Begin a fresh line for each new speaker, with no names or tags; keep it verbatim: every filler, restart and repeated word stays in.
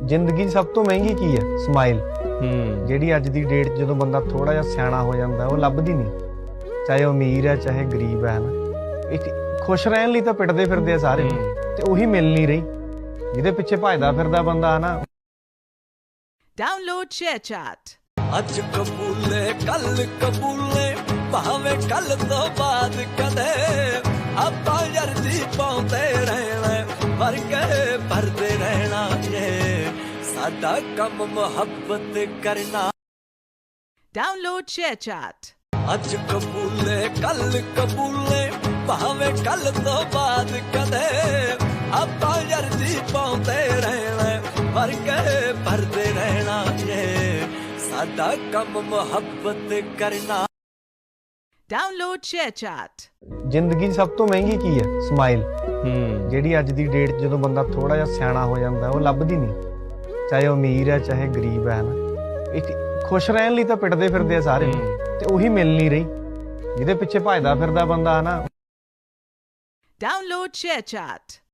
ਜ਼ਿੰਦਗੀ 'ਚ ਸਭ ਤੋਂ ਮਹਿੰਗੀ ਕੀ ਹੈ? ਸਮਾਈਲ।
ਹੂੰ
ਜਿਹੜੀ ਅੱਜ ਦੀ ਡੇਟ 'ਚ ਜਦੋਂ ਬੰਦਾ ਥੋੜਾ ਜਿਹਾ ਸਿਆਣਾ ਹੋ ਜਾਂਦਾ ਉਹ ਲੱਭਦੀ ਨਹੀਂ, ਚਾਹੇ ਉਹ ਅਮੀਰ ਹੈ ਚਾਹੇ ਗਰੀਬ ਹੈ ਨਾ। ਇੱਕ ਖੁਸ਼ ਰਹਿਣ ਲਈ ਤਾਂ ਪਿੱਟਦੇ ਫਿਰਦੇ ਆ ਸਾਰੇ, ਤੇ ਉਹੀ ਮਿਲ ਨਹੀਂ ਰਹੀ ਜਿਹਦੇ ਪਿੱਛੇ ਭਜਦਾ ਫਿਰਦਾ ਬੰਦਾ ਨਾ।
Download ShareChat।
ਅੱਜ ਕਬੂਲੇ ਕੱਲ ਕਬੂਲੇ ਭਾਵੇਂ ਕੱਲ ਤੋਂ ਬਾਅਦ ਕਦੇ ਆਪਾਂ ਯਾਰੀ ਪਾਉਂਦੇ ਰਹਿਣਾ, ਵਰ ਕੇ ਭਰਦੇ ਰਹਿਣਾ ਏ ਸਾਡਾ ਕੰਮ ਮੁਹੱਬਤ ਕਰਨਾ।
Download ShareChat।
ਅੱਜ ਕਬੂਲੇ ਕੱਲ ਕਬੂਲੇ ਭਾਵੇਂ ਕੱਲ ਤੋਂ ਬਾਅਦ ਕਦੇ ਆਪਾਂ ਯਾਰੀ ਪਾਉਂਦੇ ਰਹਿਣਾ, ਵਰ ਕੇ ਭਰਦੇ ਰਹਿਣਾ ਏ ਸਾਡਾ ਕੰਮ ਮੁਹੱਬਤ ਕਰਨਾ।
Download ShareChat।
ਜ਼ਿੰਦਗੀ 'ਚ ਸਭ ਤੋਂ ਮਹਿੰਗੀ ਕੀ ਹੈ? ਸਮਾਈਲ।
ਹੂੰ
ਜਿਹੜੀ ਅੱਜ ਦੀ ਡੇਟ 'ਚ ਜਦੋਂ ਬੰਦਾ ਥੋੜਾ ਜਿਹਾ ਸਿਆਣਾ ਹੋ ਜਾਂਦਾ ਉਹ ਲੱਭਦੀ ਨਹੀਂ, ਚਾਹੇ ਉਹ ਅਮੀਰ ਹੈ ਚਾਹੇ ਗਰੀਬ ਹੈ ਨਾ। ਇੱਕ ਖੁਸ਼ ਰਹਿਣ ਲਈ ਤਾਂ ਪਿੱਟਦੇ ਫਿਰਦੇ ਆ ਸਾਰੇ, ਤੇ ਉਹੀ ਮਿਲ ਨਹੀਂ ਰਹੀ ਜਿਹਦੇ ਪਿੱਛੇ ਭਜਦਾ ਫਿਰਦਾ ਬੰਦਾ ਨਾ।
Download ShareChat।